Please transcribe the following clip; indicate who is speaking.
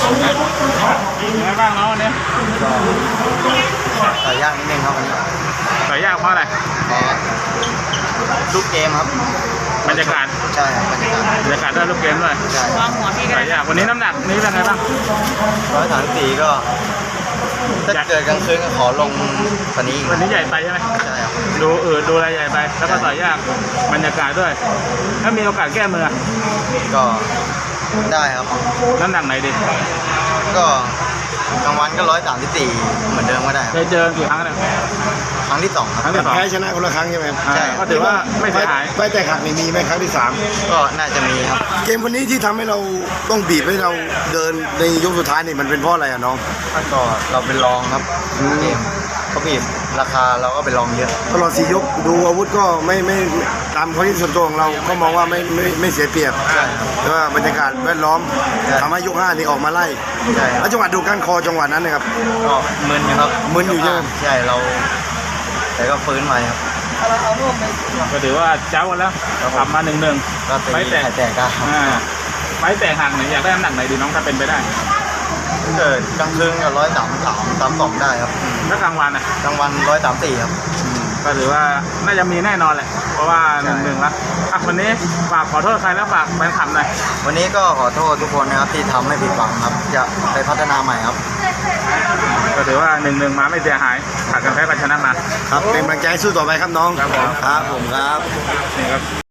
Speaker 1: ยังไงบ้างเนาะวันนี้
Speaker 2: ก็ต่อยยากนิดนึงครับวันนี้
Speaker 1: ต่อยยากเพราะอะไร
Speaker 2: ลูกเกมครับ
Speaker 1: บรรยากาศ
Speaker 2: ใช่ครับบรรยากาศ
Speaker 1: ด้วยลูกเกมด้วย
Speaker 2: ใช่
Speaker 1: ต่อยยากวันนี้น้ำหนักนี้เป็นไงบ้าง
Speaker 2: 134ก็ถ้าเกิดกลางคืนก็ขอลงวันนี้
Speaker 1: ใหญ่ไปใช่ไหม
Speaker 2: ใช่ครับ
Speaker 1: ดูอะไรใหญ่ไปแล้วก็ต่อยยากบรรยากาศด้วยถ้ามีโอกาสแก้มือ
Speaker 2: ก็ได้ครับ
Speaker 1: น้ำหนักไหนดี
Speaker 2: ก็กลางวันก็134เหมือนเดิมก็ได้
Speaker 1: เคยเจอกี่ครั้งแล้ว
Speaker 2: ครั้งที่2ครับ
Speaker 3: แพ้ชนะคนละครั้งใช่ไหม
Speaker 2: ใช่
Speaker 1: ก็ถือว่าไม่เสียหาย
Speaker 3: ไฟแต่หักมีไหมครั้งที่3
Speaker 2: ก็น่าจะมีครับ
Speaker 3: เกมวันนี้ที่ทำให้เราต้องบีบให้เราเดินในยกสุดท้ายนี่มันเป็นเพราะอะไรอะน้อง
Speaker 2: ก็เราเป็นรองครับเกมเขาบีบราคาเราก็เป็นรองเยอะ
Speaker 3: ตลอด4 ยกดูอาวุธก็ไม่ตามความคิดส่วนตัวของเราก็มองว่าไม่เสียเปรียบแต่ว่าบรรยากาศแวดล้อมทำให้ยก5นี่ออกมาไล่แล้วจังหวะดูการคอจังหวะนั้นนะครับ
Speaker 2: ก็มึนครับ
Speaker 3: มึนอยู่ใช่ไหม
Speaker 2: ใช่เราแต่ก็ฟื้นมาครับ
Speaker 1: ก็ถือว่าเจ้าแล้วทำมา1-1
Speaker 2: ไฟแตกครับ
Speaker 1: ไฟแตกห่างไหนอยากได้น้ำหนักไหนดีน้องถ้าเป็นไปได้
Speaker 2: เกิดกลางคืนก็133-132ได้ครับ
Speaker 1: แล้วกลางวัน
Speaker 2: กลางวัน134ครับ
Speaker 1: ก็ถือว่าน่าจะมีแน่นอนแหละเพราะว่า1-1แล้ววันนี้ฝากขอโทษใครแล้วฝากแฟนคลับหน่อย
Speaker 2: วันนี้ก็ขอโทษทุกคนนะครับที่ทำให้ผิดหวังครับจะไปพัฒนาใหม่ครับ
Speaker 1: ก็ถือว่า1-1มาไม่เสียหายขาดกันแพ้กันชนะมา
Speaker 3: ครับเป็นกำลังใจสู้ต่อไปครับน้อง
Speaker 1: ครับผม
Speaker 3: ครับนี่ครับ